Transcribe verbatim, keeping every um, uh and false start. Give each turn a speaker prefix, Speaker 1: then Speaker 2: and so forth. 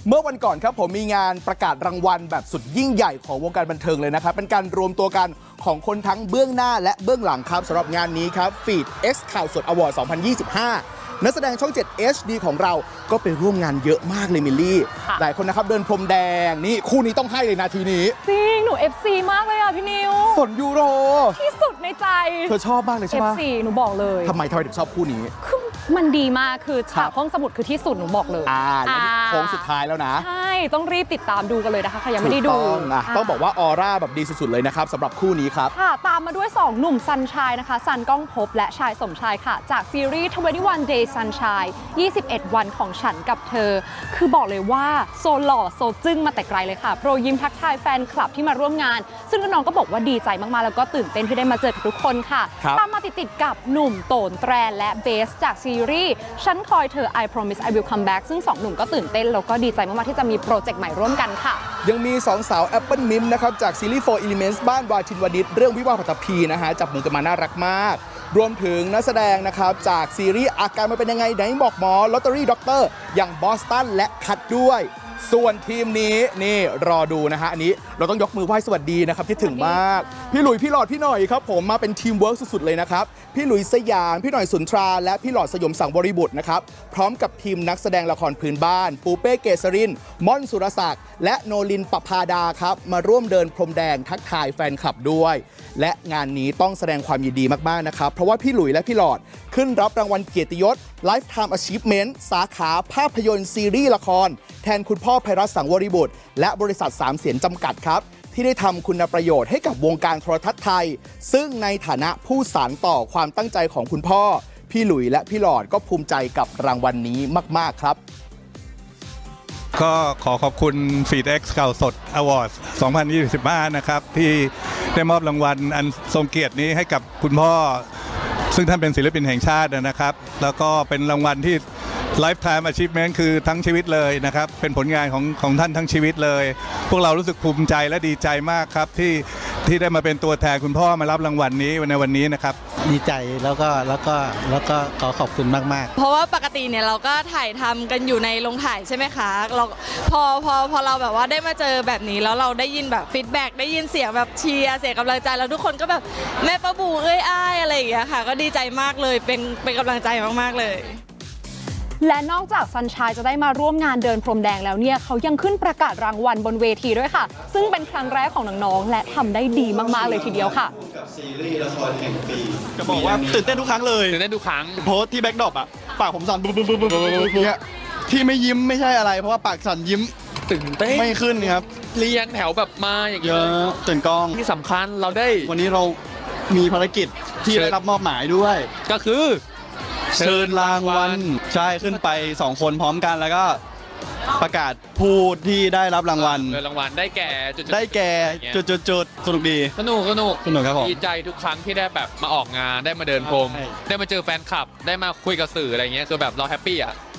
Speaker 1: เมื่อวันก่อนครับผมมีงานประกาศรางวัลแบบสุดยิ่งใหญ่ของวงการบันเทิงเลยนะครับเป็นการรวมตัวกันของคนทั้งเบื้องหน้าและเบื้องหลังครับสำหรับงานนี้ครับ Feed X ข่าวสดอวอร์ด สองพันยี่สิบห้า นักแสดงช่อง เจ็ด เอช ดี ของเราก็ไปร่วมงานเยอะมากเลยมิลลี่หลายคนนะครับเดินพรมแดงนี่คู่นี้ต้องให้เลยนาทีนี้
Speaker 2: จริงหนู เอฟ ซี มากเลยอ่ะพี่นิว
Speaker 1: สนยูโร
Speaker 2: ที่สุดในใจ
Speaker 1: เธอชอบมากเลยใช่ไหม
Speaker 2: เอฟ ซี หนูบอกเลย
Speaker 1: ทำไมทำไมถึงชอบคู่นี้
Speaker 2: มันดีมากคือฉากห้องสมุดคือที่สุดหนูบอกเลย
Speaker 1: อ่าแล้วโค้งสุดท้ายแล้วนะ
Speaker 2: ใช่ต้องรีบติดตามดูกันเลยนะคะใครยังไม่ได้ดู
Speaker 1: ต้องอ่ะต้องบอกว่าออร่าแบบดีสุดๆเลยนะครับสำหรับคู่นี้ครับ
Speaker 2: ค่ะตามมาด้วยสองหนุ่มซันชายนะคะซันก้องภพและชายสมชายค่ะจากซีรีส์ ทเวนตี้วัน Days Sunshine ยี่สิบเอ็ด วันของฉันกับเธอคือบอกเลยว่าโซหล่อโซจึ้งมาแต่ไกลเลยค่ะโปรยิ้มทักทายแฟนคลับที่มาร่วมงานซึ่งน้องก็บอกว่าดีใจมากๆแล้วก็ตื่นเต้นที่ได้มาเจอกับทุกคนค่ะตามมาติดๆกับหนุ่มโตนแตรและเบสจากซีรีส์ฉันคอยเธอ I promise I will come back ซึ่งสองหนุ่มก็ตื่นเต้นแล้วก็ดีใจมากๆที่จะมีโปรเจกต์ใหม่ร่วมกันค่ะ
Speaker 1: ยังมีสองสาว Apple Mim นะครับจากซีรีส์ Four Elements บ้านวาทินวณิชเรื่องวิวาห์ปัตตภีนะฮะจับมือกันมาน่ารักมากรวมถึงนักแสดงนะครับจากซีรีส์อาการมันเป็นยังไงไหนบอกหมอลอตเตอรี่ด็อกเตอร์อย่างบอสตันและคัดด้วยส่วนทีมนี้นี่รอดูนะฮะอันนี้เราต้องยกมือไหว้สวัสดีนะครับที่ถึงมากพี่หลุยพี่หลอดพี่หน่อยครับผมมาเป็นทีมเวิร์กสุดๆเลยนะครับพี่หลุยสยามพี่หน่อยสุนทราและพี่หลอดสยมสังบริบุตรนะครับพร้อมกับทีมนักแสดงละครพื้นบ้านปูเป้เกษรินม่อนสุรศักดิ์และโนลินปภาดาครับมาร่วมเดินพรมแดงทักทายแฟนคลับด้วยและงานนี้ต้องแสดงความยินดีมากๆนะครับเพราะว่าพี่หลุยและพี่หลอดขึ้นรับรางวัลเกียรติยศ Lifetime Achievement สาขาภาพยนตร์ซีรีส์ละครแทนคุณพ่อไพรัตน์สังวริบุตรและบริษัทสามเสียนจำกัดครับที่ได้ทำคุณประโยชน์ให้กับวงการโทรทัศน์ไทยซึ่งในฐานะผู้สานต่อความตั้งใจของคุณพ่อพี่หลุยและพี่หลอดก็ภูมิใจกับรางวัลนี้มากๆครับ
Speaker 3: ก็ขอขอบคุณ Feed X ข่าวสด Awards สองพันยี่สิบห้า นะครับที่ได้มอบรางวัลอันทรงเกียรตินี้ให้กับคุณพ่อซึ่งท่านเป็นศิลปินแห่งชาตินะครับแล้วก็เป็นรางวัลที่ Lifetime Achievement คือทั้งชีวิตเลยนะครับเป็นผลงานของของท่านทั้งชีวิตเลยพวกเรารู้สึกภูมิใจและดีใจมากครับที่ที่ได้มาเป็นตัวแทนคุณพ่อมารับรางวัลนี้ในวันนี้นะครับ
Speaker 4: ดีใจแล้วก็แล้วก็แล้วก็ขอขอบคุณมากๆ
Speaker 5: เพราะว่าปกติเนี่ยเราก็ถ่ายทำกันอยู่ในโรงถ่ายใช่ไหมคะเราพอพอพอเราแบบว่าได้มาเจอแบบนี้แล้วเราได้ยินแบบฟีดแบ็กได้ยินเสียงแบบเชียร์เสียงกำลังใจแล้วทุกคนก็แบบแม่ป้าบูเอ้ยอ้ายอะไรอย่างเงี้ยค่ะก็ดีใจมากเลยเป็นเป็นกำลังใจมากๆเลย
Speaker 2: และนอกจากซันชายจะได้มาร่วมงานเดินพรมแดงแล้วเนี่ยเขายังขึ้นประกาศรางวัลบนเวทีด้วยค่ะซึ่งเป็นครั้งแรกของน้องๆและทำได้ดีมากๆเลยทีเดียวค่ะ
Speaker 6: กับซีรีส์ละครแห่งปี
Speaker 7: จะบอกว่าตื่นเต้นทุกครั้งเลย
Speaker 8: ตื่นเต้นทุกครั้ง
Speaker 7: โพสที่แบ็คดรอปอ่ะปากผมสั่นบึ๊บบึ๊บบึ๊บบึ๊บอย่างเงี้ยที่ไม่ยิ้มไม่ใช่อะไรเพราะว่าปากสั่นยิ้ม
Speaker 8: ตื่นเต้น
Speaker 7: ไม่ขึ้นครับ
Speaker 8: เรียงแถวแบบมาอย่าง
Speaker 7: เงี้ยตื่นกอง
Speaker 8: ที่สำคัญเราได้
Speaker 7: วันนี้เรามีภารกิจที่ได้รับมอบหมายด้วย
Speaker 8: ก็คือ
Speaker 7: เชิญรางวัลใช่ขึ้นไปสองคนพร้อมกันแล้วก็ประกาศผู้ที่ได้รับรางวัล
Speaker 8: รางวัลได้แก่
Speaker 7: ได้แก่จุดจุดจุดสนุกดี
Speaker 8: สนุกสนุก
Speaker 7: สนุกครับผม
Speaker 8: ดีใจทุกครั้งที่ได้แบบมาออกงานได้มาเดินพรมได้มาเจอแฟนคลับได้มาคุยกับสื่ออะไรเงี้ยคือแบบเราแฮปปี้อ่ะ